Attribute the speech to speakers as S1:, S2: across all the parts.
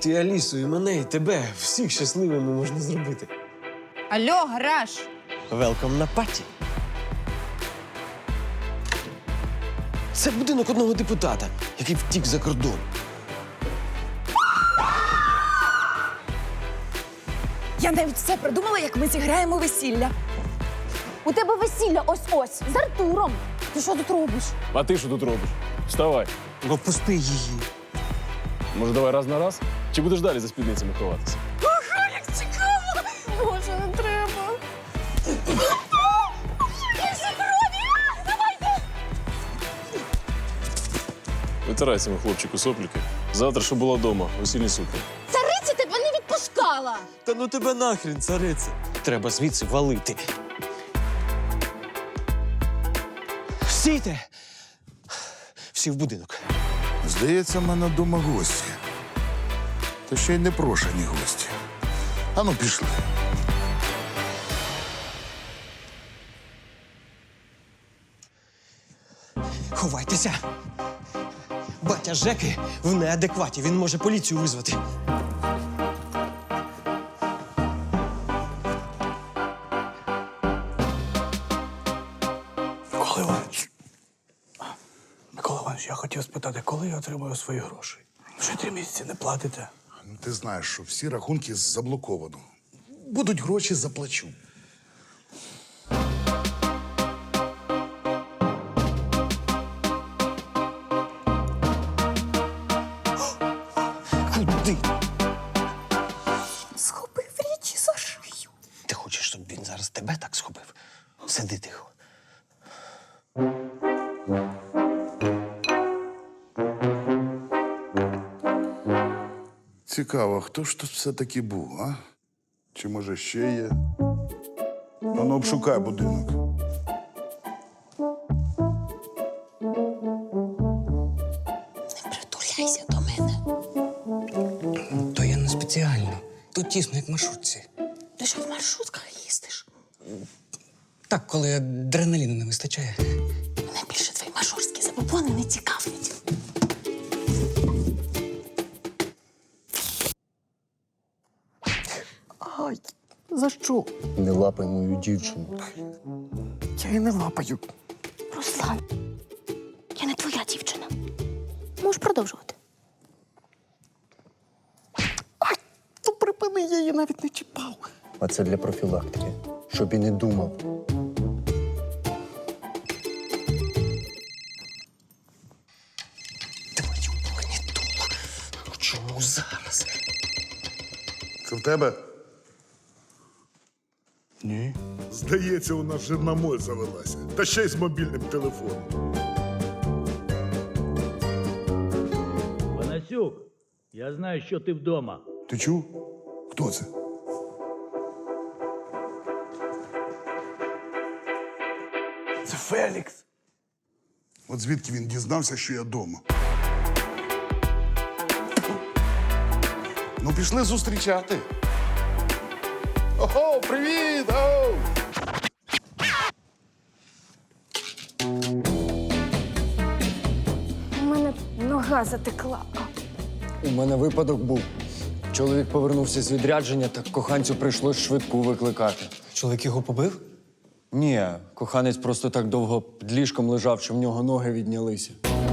S1: Ти Алісу, і мене, і тебе. Всіх щасливими можна зробити.
S2: Алло, гараж!
S1: Велком на паті. Це будинок одного депутата, який втік за кордон.
S2: Я навіть все придумала, як ми зіграємо весілля.
S3: У тебе весілля ось-ось, з Артуром. Ти що тут робиш?
S4: А ти що тут робиш? Вставай.
S1: Ну, пусти її.
S4: Може, давай раз на раз? Чи будеш далі за спідницями ховатися?
S2: Ага, як цікаво!
S3: Боже, не треба.
S4: Витирай цьому хлопчику сопліки. Завтра, щоб була вдома, весільні сукні.
S3: Цариця тебе не відпускала.
S1: Та ну тебе нахрін, цариця. Треба звідси валити. Стійте! Всі в будинок.
S5: Здається, в мене вдома гості. Та ще й непрошені гості. Ану, пішли.
S1: Ховайтеся. Батя Жеки в неадекваті. Він може поліцію визвати.
S6: Микола Іванович. Микола Іванович, я хотів спитати, коли я отримую свої гроші? Вже 3 місяці не платите.
S5: Ну, ти знаєш, що всі рахунки заблоковано. Будуть гроші, заплачу.
S1: Куди?
S3: Схопив річі за шию.
S1: Ти хочеш, щоб він зараз тебе так схопив? Сиди тихо.
S5: Цікаво, хто ж тут все-таки був, а? Чи може ще є? Ану, обшукай будинок.
S3: Не притуляйся до мене.
S6: То я не спеціально. Тут тісно, як в маршрутці.
S3: Ти що в маршрутках їздиш?
S6: Так, коли адреналіну не вистачає.
S3: Мене більше твої мажорські забобони не цікавлять. Ай, за що?
S7: Не лапай мою дівчину.
S6: Я її не лапаю.
S3: Руслан, я не твоя дівчина. Можеш продовжувати.
S6: То припини, я її навіть не чіпав.
S7: А це для профілактики. Щоб і не думав.
S1: Твою магнітолу. Ну чому зараз?
S5: Це в тебе?
S6: Ні.
S5: Здається, у нас жирна моль завелася. Та ще й з мобільним телефоном.
S8: Панасюк, я знаю, що ти вдома.
S5: Ти чув? Хто це?
S6: Це Фелікс.
S5: От звідки він дізнався, що я вдома? Ну, пішли зустрічати. Ого, привіт! Оу!
S3: У мене нога затекла.
S7: У мене випадок був. Чоловік повернувся з відрядження, так коханцю прийшлось швидку викликати.
S1: Чоловік його побив?
S7: Ні, коханець просто так довго під ліжком лежав, що в нього ноги віднялися.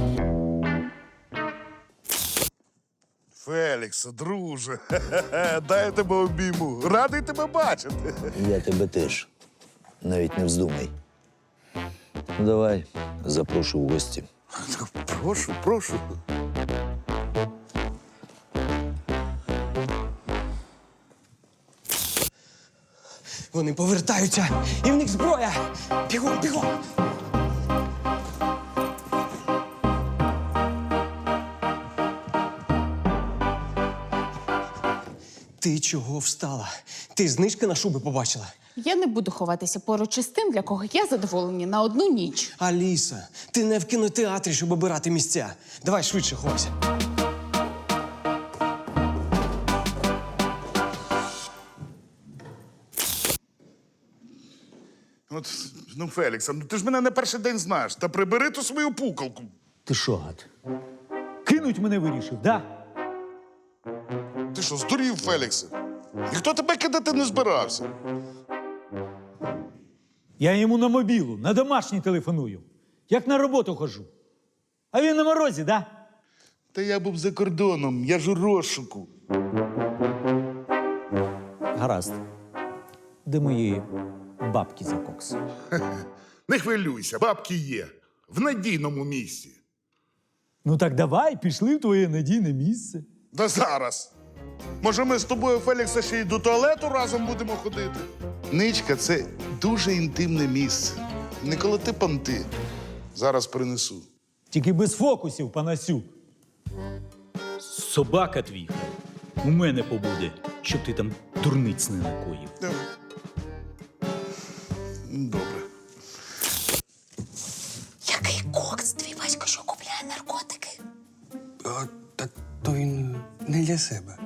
S5: Фелікс, друже, дай я тебе обійму. Радий тебе бачити.
S9: Я тебе теж. Навіть не вздумай. Ну, давай, запрошу в гості.
S5: Прошу, прошу.
S1: Вони повертаються, і в них зброя! Бігом, бігом! Ти чого встала? Ти знижки на шуби побачила?
S2: Я не буду ховатися поруч із тим, для кого є задоволені на одну ніч.
S1: Аліса, ти не в кінотеатрі, щоб обирати місця. Давай швидше ховайся.
S5: От, ну, Фелікс, ну ти ж мене не перший день знаєш. Та прибери ту свою пукалку.
S9: Ти що, гад?
S8: Кинуть мене вирішив, да?
S5: що, здурів, Феліксе? Ніхто тебе кидати не збирався.
S8: Я йому на мобілу, на домашній телефоную. Як на роботу хожу. А він на морозі, да?
S5: Та я був за кордоном, я ж у розшуку.
S8: Гаразд. Де мої бабки за кокс?
S5: Не хвилюйся, бабки є. В надійному місці.
S8: Ну так давай, пішли в твоє надійне місце.
S5: Да зараз. Може, ми з тобою, Феліксе, ще й до туалету разом будемо ходити? Ничка – це дуже інтимне місце. Не колоти понти. Зараз принесу.
S8: Тільки без фокусів, панасюк. Собака твій у мене побуде, щоб ти там дурниць не накоїв.
S5: Добре.
S3: Який кокс? Твій батько що купляє наркотики?
S10: Та то він не для себе.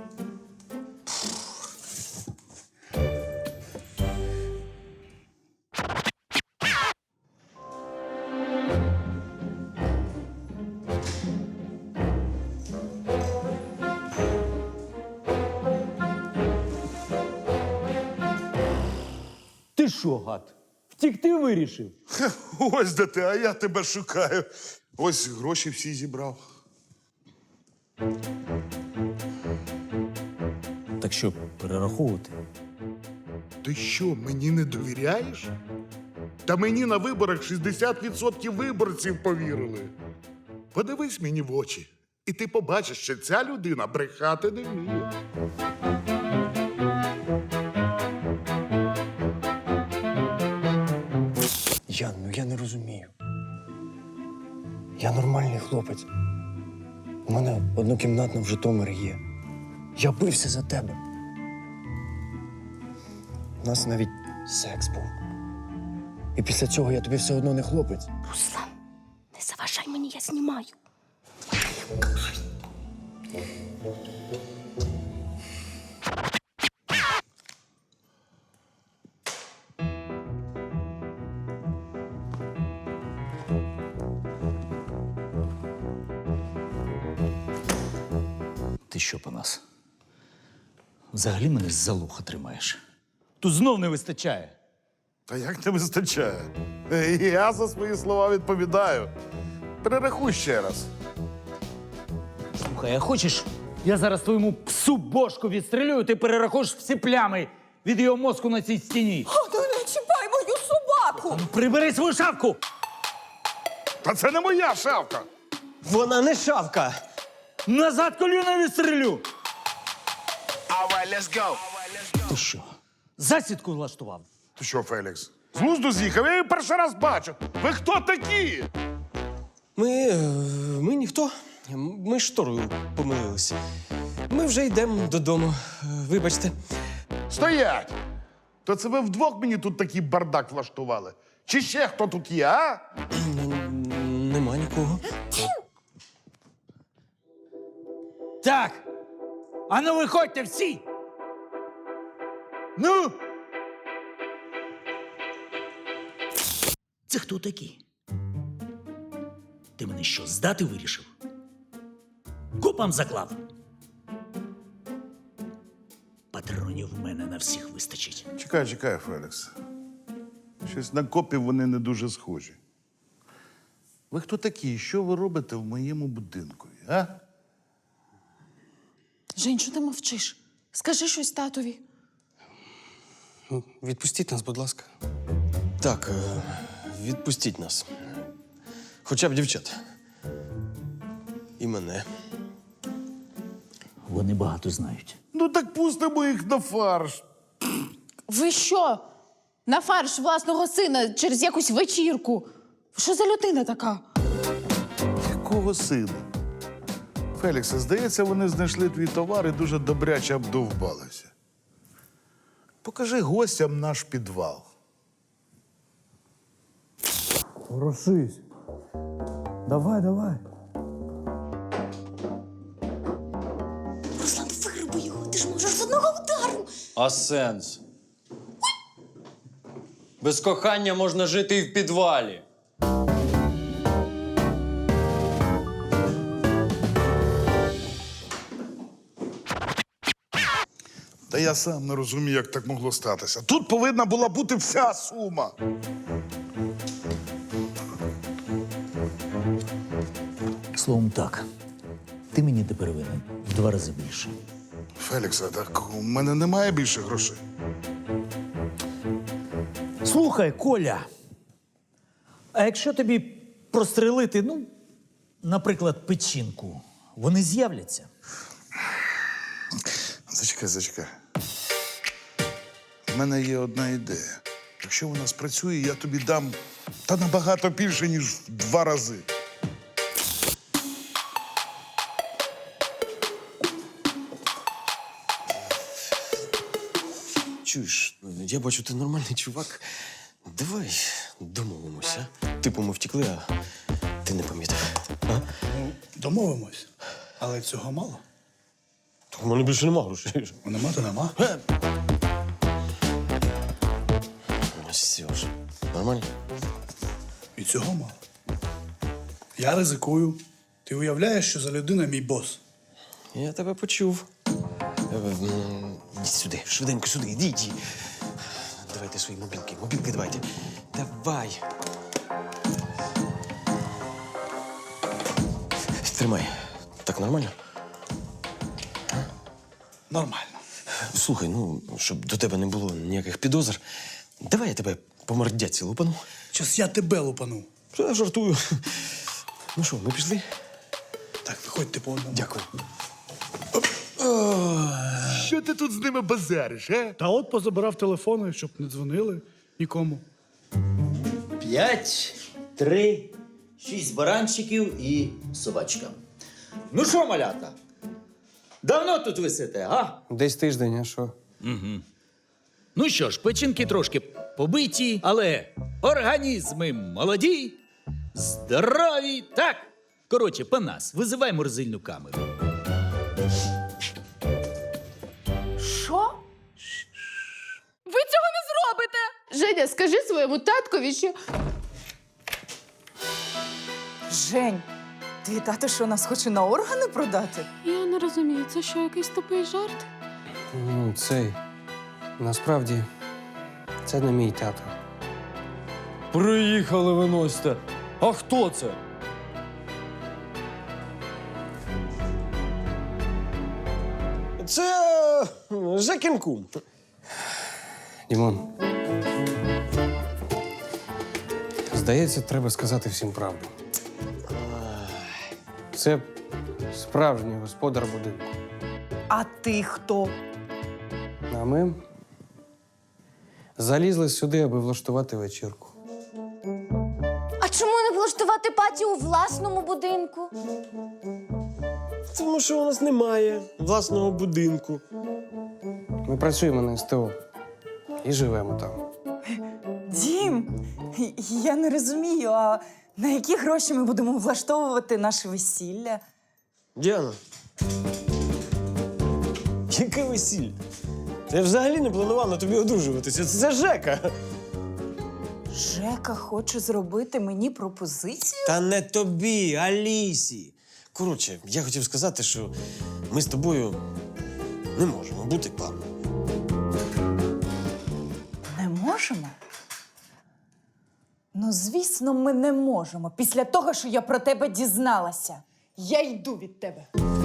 S8: Ти що, гад? Втікти вирішив?
S5: Ось де ти, а я тебе шукаю. Ось гроші всі зібрав.
S8: Так що, перераховувати?
S5: Ти що, мені не довіряєш? Та мені на виборах 60% виборців повірили. Подивись мені в очі, і ти побачиш, що ця людина брехати не вміє.
S10: Ян, ну я не розумію. Я нормальний хлопець. У мене однокімнатна в Житомирі є. Я бився за тебе. У нас навіть секс був. І після цього я тобі все одно не хлопець.
S3: Руслан, не заважай мені, я знімаю.
S8: Ти що, Панас? Взагалі мене з-за лоха тримаєш. Тут знов не вистачає.
S5: Та як не вистачає? Я за свої слова відповідаю. Перерахуй ще раз.
S8: Слухай, а хочеш, я зараз твоєму псу бошку відстрілюю, ти перерахуєш всі плями від його мозку на цій стіні.
S3: О, ти не чіпай мою собаку!
S8: Ну, прибери свою шапку!
S5: Та це не моя шавка.
S1: Вона не шавка.
S8: Назад коліна відстрілю! Ти що, засідку влаштував?
S5: Ти що, Фелікс? З глузду з'їхав? Я її перший раз бачу. Ви хто такі?
S1: Ми ніхто. Ми шторою помилилися. Ми вже йдемо додому. Вибачте.
S5: Стоять! То це ви вдвох мені тут такий бардак влаштували? Чи ще хто тут є, а?
S1: Нема нікого.
S8: Так! А ну виходьте всі! Ну! Це хто такі? Ти мене що, здати вирішив? Копам заклав. Патронів в мене на всіх вистачить.
S5: Чекай, Фелікс. Щось на копів вони не дуже схожі. Ви хто такі? Що ви робите в моєму будинку, а?
S2: Жень, що ти мовчиш? Скажи щось татові.
S10: Ну, відпустіть нас, будь ласка.
S1: Так, відпустіть нас. Хоча б дівчат. І мене.
S8: Вони багато знають.
S5: Ну так пустимо їх на фарш.
S2: Ви що? На фарш власного сина через якусь вечірку. Що за людина така?
S5: Якого сина? Феліксе, здається, вони знайшли твій товар і дуже добряче обдовбалися. Покажи гостям наш підвал.
S6: Ворушись. Давай.
S3: Руслан, вируби його, ти ж можеш з одного удару.
S7: А сенс? Без кохання можна жити і в підвалі.
S5: Та я сам не розумію, як так могло статися. Тут повинна була бути вся сума.
S9: Словом так, ти мені тепер винен в 2 рази більше.
S5: Фелікс, а так у мене немає більше грошей.
S9: Слухай, Коля, а якщо тобі прострелити, ну, наприклад, печінку, вони з'являться?
S5: Зачекай. У мене є одна ідея. Якщо вона спрацює, я тобі дам та набагато більше, ніж в 2 рази.
S1: Чуєш, я бачу, ти нормальний чувак. Давай домовимося. Типу, ми втекли, а ти не помітив. А?
S6: Домовимось. Але цього мало.
S1: Так у мене більше нема грошей.
S6: Нема, то нема.
S1: Ну, Серж, нормально?
S6: І цього мало. Я ризикую. Ти уявляєш, що за людина мій бос?
S1: Я тебе почув. Іди сюди, швиденько сюди, іди. Давайте свої мобілки. Мобілки давайте. Давай. Тримай. Так нормально?
S6: Нормально.
S1: Слухай, ну, щоб до тебе не було ніяких підозр, давай я тебе по мордяці лупану.
S6: Щас я тебе лупану.
S1: Я жартую. Ну що, ми пішли?
S6: Так, виходьте по одному.
S1: Дякую.
S5: Що ти тут з ними базариш, а?
S6: Та от позабирав телефони, щоб не дзвонили нікому.
S9: 5, 3, 6 баранчиків і собачка. Ну що, малята? Давно тут висите, а?
S10: Десь тиждень, а що?
S8: Ну що ж, печінки трошки побиті, але організми молоді, здорові. Так, коротше, Панас, визивай морозильну камеру.
S2: Що? Ви цього не зробите! Женя, скажи своєму таткові, що.
S11: Жень, твій тато що, нас хоче на органи продати?
S2: Я не розумію, це що, якийсь тупий жарт?
S10: Ну, цей. Насправді, це не мій тато.
S7: Приїхали виносите. А хто це?
S1: Це Жекін кум.
S10: Дімон. Здається, треба сказати всім правду. Це справжній господар будинку.
S11: А ти хто?
S10: А ми залізли сюди, аби влаштувати вечірку.
S3: А чому не влаштувати паті у власному будинку?
S1: Тому що у нас немає власного будинку.
S10: Ми працюємо на СТО і живемо там.
S11: Дім, я не розумію, а на які гроші ми будемо влаштовувати наше весілля?
S1: Діана. Яке весілля? Я взагалі не планував на тобі одружуватися. Це Жека.
S11: Жека хоче зробити мені пропозицію?
S1: Та не тобі, Алісі. Коротше, я хотів сказати, що ми з тобою не можемо бути парою.
S11: Не можемо? Ну, звісно, ми не можемо. Після того, що я про тебе дізналася. Я йду від тебе.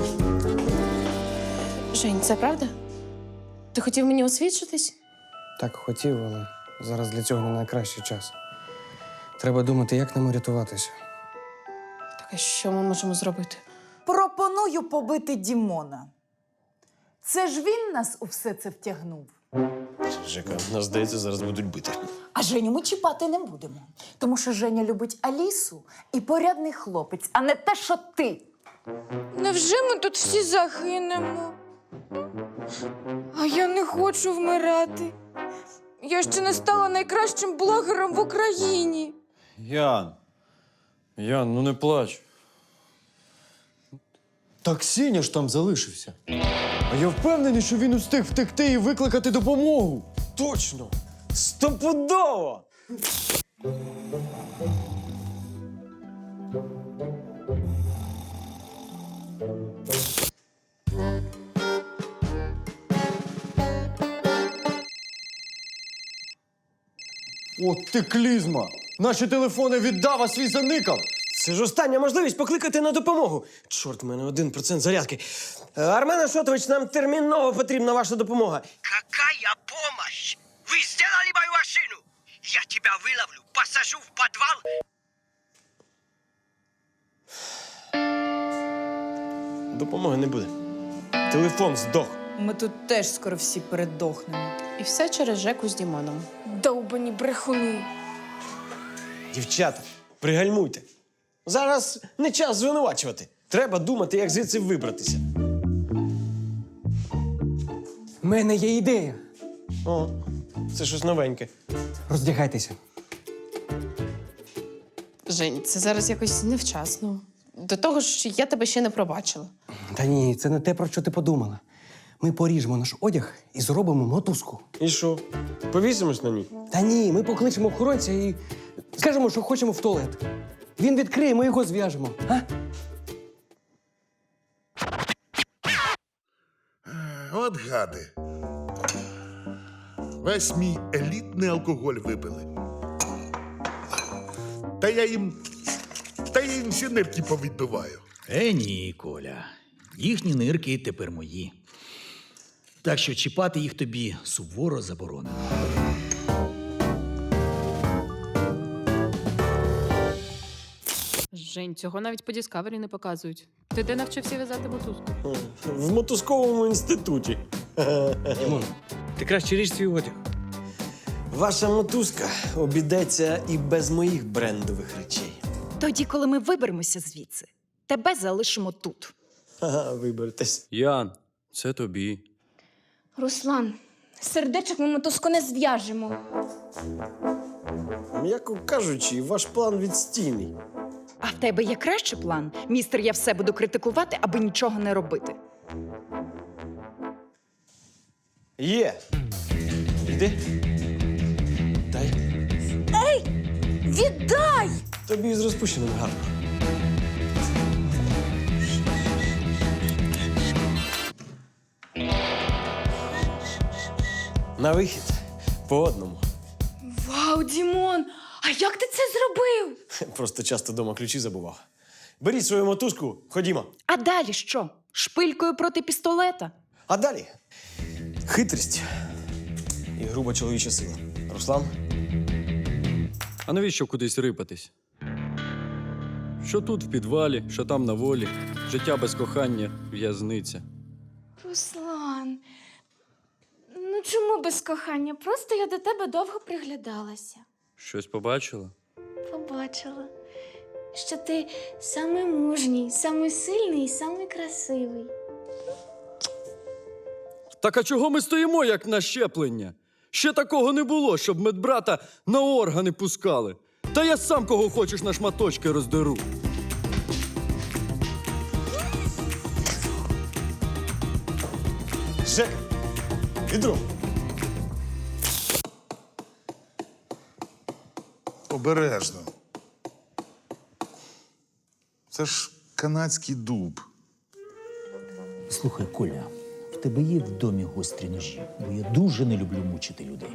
S2: Жень, це правда? Ти хотів мені освідчитись?
S10: Так хотів, але зараз для цього не найкращий час. Треба думати, як нам рятуватися.
S2: Так, а що ми можемо зробити?
S11: Пропоную побити Дімона. Це ж він нас у все це втягнув.
S1: Жека, нас, здається, зараз будуть бити.
S11: А Женю ми чіпати не будемо. Тому що Женя любить Алісу і порядний хлопець, а не те, що ти.
S3: Невже ми тут всі загинемо? А я не хочу вмирати. Я ще не стала найкращим блогером в Україні.
S7: Ян, ну не плач. Так Сіня ж там залишився. А я впевнений, що він устиг втекти і викликати допомогу.
S1: Точно! Стопудово!
S7: От ти клізма! Наші телефони віддав, а свій заникав!
S1: Це ж остання можливість покликати на допомогу. Чорт, в мене 1% зарядки. Армен Ашотович, нам терміново потрібна ваша допомога.
S12: Какая помощь? Вы сделали мою машину? Я тебя выловлю, посажу в подвал.
S1: Допомоги не буде. Телефон здох.
S11: Ми тут теж скоро всі передохнемо.
S2: І все через Жеку з Дімоном.
S3: Довбані брехуни.
S1: Дівчата, пригальмуйте. Зараз не час звинувачувати. Треба думати, як звідси вибратися.
S10: У мене є ідея.
S1: О, це щось новеньке.
S10: Роздягайтеся.
S2: Жень, це зараз якось невчасно. До того ж, я тебе ще не пробачила.
S10: Та ні, це не те, про що ти подумала. Ми поріжемо наш одяг і зробимо мотузку.
S1: І що? Повісимось на ній?
S10: Та ні, ми покличемо охоронця і скажемо, що хочемо в туалет. Він відкриє, ми його зв'яжемо. А?
S5: От гади. Весь мій елітний алкоголь випили. Та я їм всі нирки повідбиваю.
S13: Ні, Коля. Їхні нирки тепер мої. Так що чіпати їх тобі суворо заборонено.
S2: Жень, цього навіть по Діскавері не показують. Ти де навчився в'язати мотузку?
S1: В мотузковому інституті.
S6: Дімон, ти краще ріж свій одяг.
S1: Ваша мотузка обійдеться і без моїх брендових речей.
S11: Тоді, коли ми виберемося звідси, тебе залишимо тут.
S1: Ага, виберетесь.
S7: Ян, це тобі.
S3: Руслан, сердечок ми мотузку не зв'яжемо.
S1: М'яко кажучи, ваш план відстійний.
S11: А в тебе є кращий план? Містер, я все буду критикувати, аби нічого не робити.
S1: Є. Йди. Дай.
S3: Віддай!
S1: Тобі з розпущеним гарно. На вихід. По одному.
S3: Вау, Дімон! А як ти це зробив?
S1: Просто часто вдома ключі забував. Беріть свою мотузку, ходімо.
S11: А далі що? Шпилькою проти пістолета?
S1: А далі хитрість і груба чоловіча сила. Руслан?
S7: А навіщо кудись рипатись? Що тут в підвалі, що там на волі, життя без кохання, в'язниця.
S3: Руслан, ну чому без кохання? Просто я до тебе довго приглядалася.
S7: Щось побачила?
S3: Побачила, що ти самий мужній, самий сильний і самий красивий.
S7: Так а чого ми стоїмо, як на щеплення? Ще такого не було, щоб медбрата на органи пускали. Та я сам кого хочеш на шматочки роздеру.
S1: Жека! Відро!
S5: Обережно. Це ж канадський дуб.
S13: Слухай, Коля, в тебе є в домі гострі ножі, бо я дуже не люблю мучити людей.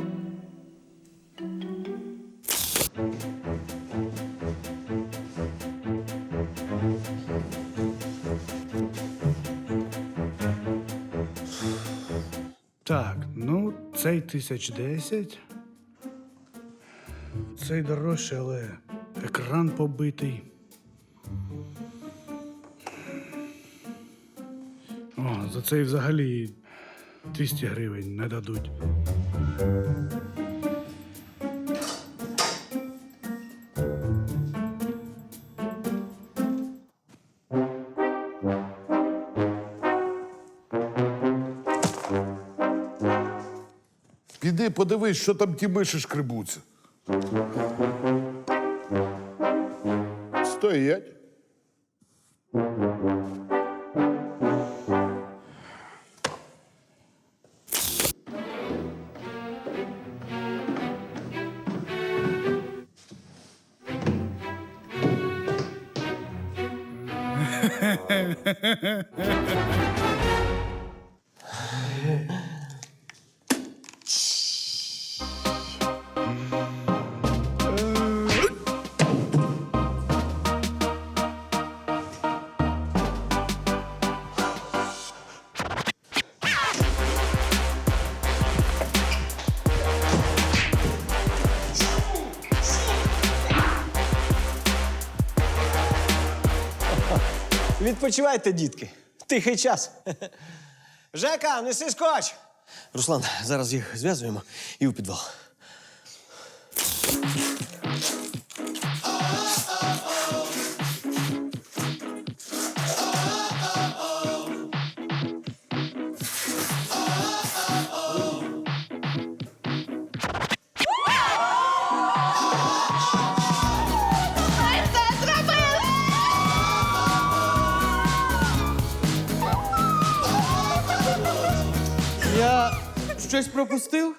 S6: Так, ну, цей 1010. Цей дорожчий, але екран побитий. О, за цей взагалі 200 гривень не дадуть.
S5: Піди подивись, що там ті миші шкребуться. Стоять.
S1: Відпочивайте, дітки. Тихий час. Жека, неси скотч! Руслан, зараз їх зв'язуємо і у підвал.
S7: Я щось пропустив?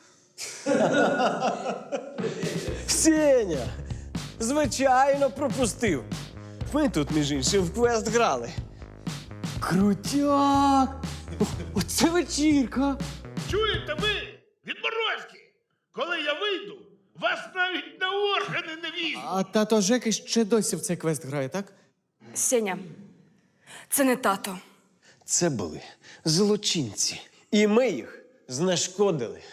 S1: Сеня! Звичайно, пропустив. Ми тут, між іншим, в квест грали.
S7: Крутяк! Оце вечірка!
S5: Чуєте ви, відморозки? Коли я вийду, вас навіть на органи не візьмуть.
S7: А тато Жеки ще досі в цей квест грає, так?
S3: Сеня, це не тато.
S1: Це були злочинці. І ми їх знешкодили.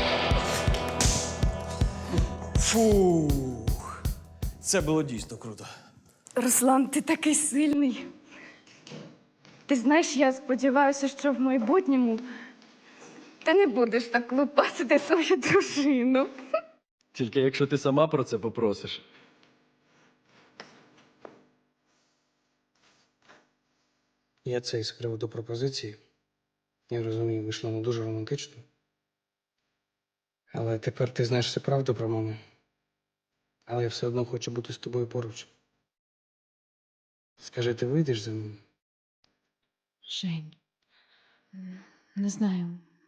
S1: Фух. Це було дійсно круто.
S3: Руслан, ти такий сильний. Ти знаєш, я сподіваюся, що в майбутньому ти не будеш так лупасити свою дружину.
S7: Тільки якщо ти сама про це попросиш.
S10: Я це з приводу пропозиції. Я розумію, вийшло не дуже романтично. Але тепер ти знаєш всю правду про маму. Але я все одно хочу бути з тобою поруч. Скажи, ти вийдеш за мене?
S2: Жень, не знаю.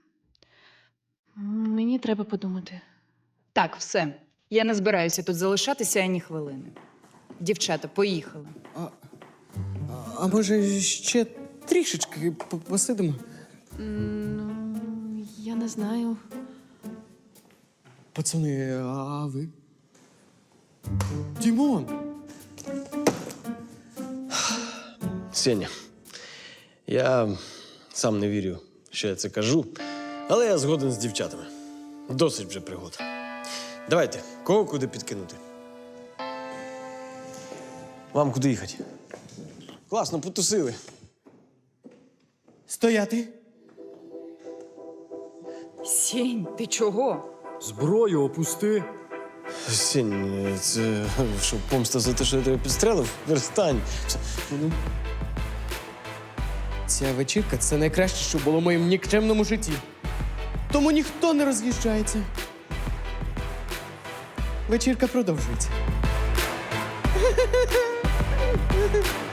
S2: Мені треба подумати.
S11: Так, все. Я не збираюся тут залишатися ані хвилини. Дівчата, поїхали.
S7: А може ще трішечки посидимо?
S2: Ну, я не знаю.
S7: Пацани, а ви? Дімон!
S1: Сеня, я сам не вірю, що я це кажу, але я згоден з дівчатами. Досить вже пригод. Давайте, кого куди підкинути? Вам куди їхати? Класно, потусили.
S7: Стояти!
S11: Сінь, ти чого?
S7: Зброю опусти!
S1: Сень, це що, помста за те, що я тебе підстрелив? Перестань.
S7: Ця вечірка – це найкраще, що було в моєму нікчемному житті. Тому ніхто не роз'їжджається. Вечірка продовжується.